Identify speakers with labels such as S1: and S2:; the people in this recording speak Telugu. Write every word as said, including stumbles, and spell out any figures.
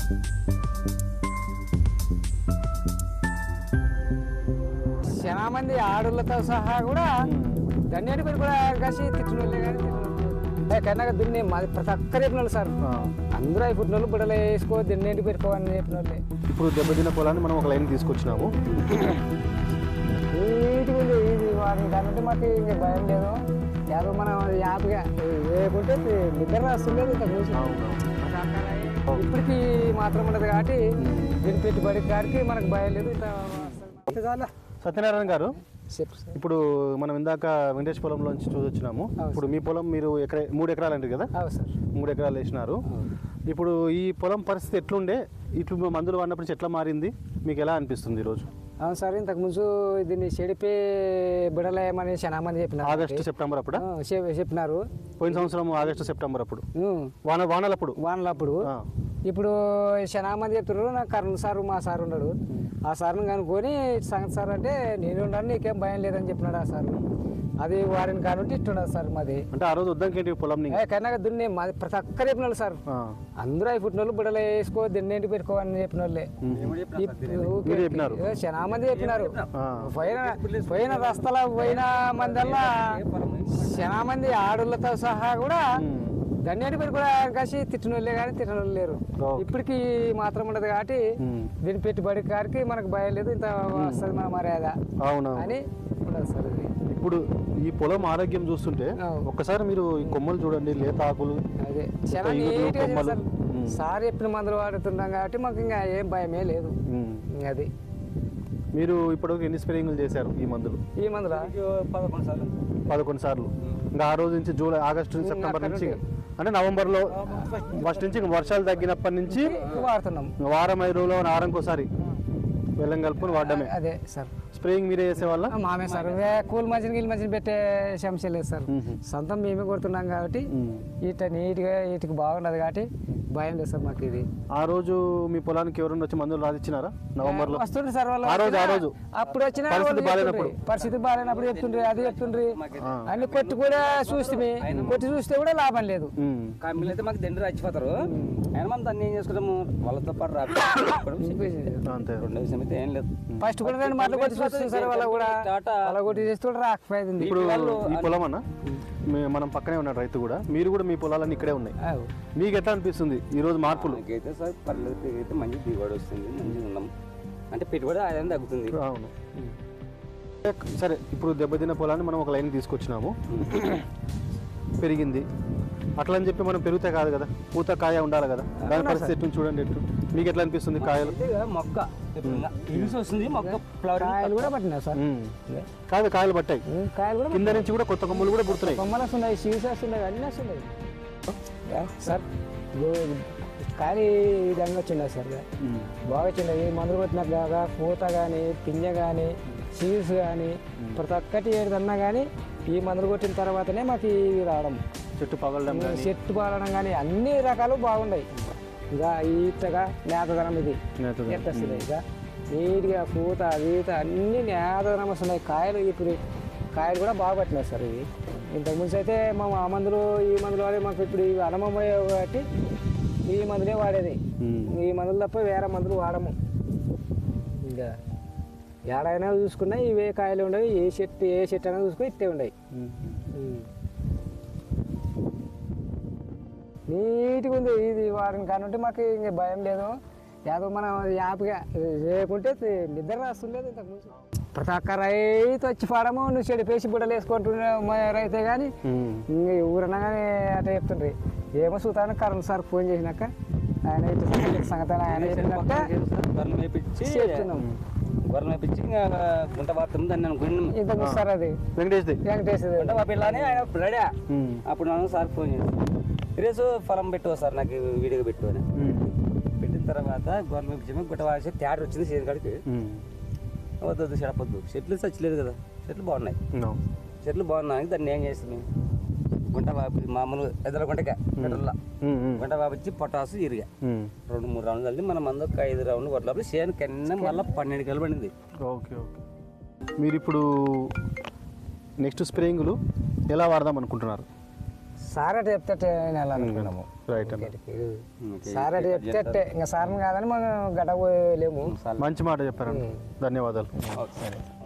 S1: చాలా మంది ఆడోళ్ళతో సహా కూడా దండేటి పేరు కూడా కాసి తిట్టినోళ్ళే కానీ కన్నా దున్ని మాది ప్రతి ఒక్కరు చెప్పిన వాళ్ళు సార్. అందరూ అయి పుట్టిన వాళ్ళు బుడలు వేసుకో దిన్నేంటి పెట్టుకోవాలని చెప్పిన వాళ్ళే.
S2: ఇప్పుడు దెబ్బతిన్న పొలాన్ని మనం ఒక లైన్ తీసుకొచ్చినాము.
S1: నీటిగా ఉంది ఇది వారిని దానింటే మాకు ఇంకా భయం లేదు. యాభై మనం యాభైగా లేకుంటే నిద్ర రాస్తుండేది ఇంత చూసి ఇప్పటికి మాత్రం ఉండదు కాబట్టి దీని పెట్టుబడి కాడికి మనకు భయం లేదు. ఇంత
S2: సత్యనారాయణ గారు, ఇప్పుడు మనం ఇందాక వెంకటేష్ పొలంలోంచి చూసొచ్చినాము. ఇప్పుడు మీ పొలం మీరు ఎకర మూడు ఎకరాలు అంటారు కదా, మూడు ఎకరాలు వేసినారు. ఇప్పుడు ఈ పొలం పరిస్థితి ఎట్లుండే, ఇట్లు మందులు వాడినప్పుడు నుంచి ఎట్లా మారింది, మీకు ఎలా అనిపిస్తుంది ఈరోజు?
S1: అవును సార్, ఇంతకు ముందు దీన్ని చెడిపే బిడలేమని చాలా మంది చెప్పినారు.
S2: ఆగస్టు సెప్టెంబర్ అప్పుడు
S1: చెప్పినారు.
S2: పోయిన సంవత్సరం ఆగస్టు సెప్టెంబర్ అప్పుడు వాన వానలప్పుడు
S1: వానలప్పుడు ఇప్పుడు చాలా మంది చెప్తున్నారు. నాకు కరుణ సారు మా సార్ ఉన్నాడు. ఆ సార్ని కనుక్కొని సంగతి సార్ అంటే నేను ఉన్నాను నీకేం భయం లేదని చెప్పినాడు ఆ సార్. అది వారిని కానుంటే ఇట్టున్నాడు సార్. మాది అంటే
S2: ఆ రోజు వద్దాకేంటి పొలం
S1: కన్నా దున్ని మాది ప్రతి ఒక్కరు చెప్పిన వాళ్ళు సార్. అందరూ అయి పుట్టిన వాళ్ళు బుడలు వేసుకో దిన్నేంటి పెట్టుకోవాలని చెప్పిన వాళ్ళే. చాలా మంది చెప్పినారు. పోయిన పోయిన రస్తాల పోయిన మందల్లా చాలా మంది ఆడోళ్ళతో సహా కూడా దండేటి పేరు కూడా కాసి తిట్టిన వాళ్ళే కానీ తిట్టిన వాళ్ళు లేరు. ఇప్పటికి మాత్రం ఉండదు కాబట్టి దీని పెట్టుబడి కాడికి మనకు భయం లేదు. ఇంత వస్తుంది మన మర్యాద అని ఉండదు సార్.
S2: ఇప్పుడు ఈ పొలం ఆరోగ్యం చూస్తుంటే ఒక్కసారి మీరు ఈ కొమ్మలు చూడండి, లేత ఆకులు.
S1: అదే చాలా నీట్గా సార్. సార్ చెప్పిన మందులు వాడుతున్నాం కాబట్టి మాకు ఇంకా ఏం భయమే లేదు. అది
S2: మీరు ఇప్పటివరకు ఎన్ని స్ప్రేయింగ్లు చేశారు ఈ మందులు?
S1: ఈ మందుల
S3: పదకొండు సార్లు
S2: పదకొండు సార్లు ఇంకా ఆ రోజు నుంచి జూలై ఆగస్టు సెప్టెంబర్ నుంచి అంటే నవంబర్లో ఫస్ట్ నుంచి వర్షాలు తగ్గినప్పటి నుంచి
S1: వాడుతున్నాం.
S2: వారం ఐదు రోజులు వారంకోసారి వెళ్ళం కలుపుకొని వాడడమే.
S1: అదే సార్.
S2: స్ప్రేయింగ్ మీరే చేసేవాళ్ళ?
S1: మామే సార్. కూల్ మధ్యన గీల్ మధ్యన పెట్టే సమస్య లేదు సార్. సొంతం మేమే కొడుతున్నాం కాబట్టి ఇట నీట్గా వీటికి బాగున్నది కాబట్టి భయం లేదు సార్ మాకు. ఇది
S2: ఆ రోజు మీ పొలానికి ఎవరైనా వచ్చి మందులు రాసిచ్చినారా నవంబర్ లో?
S1: వస్తుండ్రి సార్ వాళ్ళు.
S2: ఆ రోజు ఆ రోజు
S1: అప్పుడు వచ్చిన పరిస్థితి బాగాలేనప్పుడు చెప్తుండ్రి, అది చెప్తుండ్రి. అన్ని కొట్టి కూడా చూస్తే కొట్టి చూస్తే కూడా లాభం లేదు.
S3: కంపెనీలు అయితే మాకు దండ్రి రచ్చిపోతారు. అయినా మనం దాన్ని ఏం చేసుకుంటాము, వాళ్ళతో పాటు రాకపోవడం రెండో విషయం అయితే ఏం లేదు.
S1: ఫస్ట్ కూడా రెండు మాటలు కొట్టి చూస్తుంది సార్. వాళ్ళ కూడా వాళ్ళ కొట్టి చేస్తే కూడా రాకపోయింది.
S2: ఇప్పుడు ఈ పొలం అన్న మనం పక్కనే ఉన్న రైతు కూడా, మీరు కూడా మీ పొలాలన్నీ ఇక్కడే ఉన్నాయి. మీకు ఎట్లా అనిపిస్తుంది ఈ రోజు మార్పులు?
S3: అయితే సార్ పర్లేదు, అయితే మంచి దిగుబడి వస్తుంది, మంచిగా ఉన్నాం. అంటే పెట్టుబడి ఆదాయం తగ్గుతుంది.
S2: అవును సరే. ఇప్పుడు దెబ్బతిన్న పొలాన్ని మనం ఒక లైన్ తీసుకొచ్చినాము. పెరిగింది అట్లా అని చెప్పి మనం పెరిగితే కాదు కదా, పూత కాయ ఉండాలి కదా. దాని పరిస్థితి ఎట్టు చూడండి. ఎట్టు మీకు ఎట్లా అనిపిస్తుంది? కాయలు
S3: మొక్క వస్తుంది, మొక్క
S1: కాయలు కూడా పట్టినాయి సార్.
S2: కాదు కాయలు పట్టాయి,
S1: కాయలు కూడా
S2: కింద నుంచి కూడా కొత్త కొమ్మలు కూడా పుడుతున్నాయి.
S1: కొమ్మలు వస్తున్నాయి, సీడ్స్ వస్తున్నాయి, అన్నీ వస్తున్నాయి సార్. కాయలు ఈ విధంగా వచ్చినాయి సార్. బాగా వచ్చినాయి. మందులు కొట్టినట్లుగా పూత కానీ పింజ కానీ సీడ్స్ కానీ ప్రతి ఒక్కటి ఏదన్నా కానీ ఈ మందులు కొట్టిన తర్వాతనే మాకు ఇవి రావడం,
S2: చెట్టు పగలడం,
S1: చెట్టు పగలడం కానీ అన్ని రకాలు బాగున్నాయి. ఇక ఈతగా నేతదనం ఇది ఎత్తస్తుంది. ఇక నీట్గా పూత ఈత అన్ని నేతదనం వస్తున్నాయి. కాయలు ఇప్పుడు కాయలు కూడా బాగా పట్టినాయి సార్. ఇవి ఇంతకుముందు అయితే మా ఆ మందులు ఈ మందులు వాడే మాకు ఇప్పుడు ఇవి అనుభవం కాబట్టి ఈ మందులే వాడేది. ఈ మందులు తప్ప వేరే మందులు వాడము. ఇంకా ఏడైనా చూసుకున్నా ఇవే కాయలు ఉండవు. ఏ చెట్టు ఏ చెట్టు అయినా చూసుకుని ఇట్టే ఉండవు. నీట్గా ఉంది ఇది. వారిని కానుంటే మాకు ఇంక భయం లేదు. యాదో మనం యాప్గా లేకుంటే నిద్ర రాస్తుండేది ఇంతకుముందు. ప్రతి ఒక్క రైతు వచ్చి పడము నువ్వు చెడిపేసి బుడ్డలు వేసుకుంటున్నా రైతే కానీ ఇంక ఊరన్నా కానీ అట్లా చెప్తుండ్రి. ఏమో చూతాను కరెంట్ సార్ ఫోన్ చేసినాక ఆయన సంగతి ఆయన చెప్పినట్టే చెప్తున్నాం.
S3: గొర్రెలు మేపించి గుంట వాడుతుంది దాన్ని అనుకున్నాం.
S1: ఇంతకు సార్ అది
S2: వెంకటేష్
S1: వెంకటేష్
S3: గుంట వాపిల్లానే ఆయన రెడీ. అప్పుడు నన్ను సార్ ఫోన్ చేసి ఈరోజు పొలం పెట్టు సార్ నాకు వీడియోగా పెట్టు అని పెట్టిన తర్వాత గొర్రెలు మేపించాము. గుంట వాసి తేడా వచ్చింది చేతి కాడికి. వద్దు చెడపొద్దు, చెట్లు చచ్చలేదు కదా, చెట్లు బాగున్నాయి, చెట్లు బాగున్నాయి. దాన్ని ఏం చేస్తుంది, గుంట బాబి మామూలు ఎదురు గుంటగా పెట్రోల్లా గుంట బాబిచ్చి పొటాసు ఇరిగా రెండు మూడు రౌండ్లు కలిసి మన మంది ఒక ఐదు రౌండ్లు కొట్టలేప్పుడు సేను కన్నా మళ్ళీ పన్నెండు కిలో పడింది.
S2: Okay okay. మీరు ఇప్పుడు నెక్స్ట్ స్ప్రేయింగ్లు ఎలా వాడదాం అనుకుంటున్నారు?
S1: సార్ అటు చెప్తే అట్టే వెళ్ళాలనుకున్నాము
S2: రైట్ అన్న
S1: సార్ అటు చెప్తే అట్టే ఇంకా సార్ని కాదని మనం గడ్డ పోయలేము.
S2: మంచి మాట చెప్పారండి, ధన్యవాదాలు.
S3: సరే.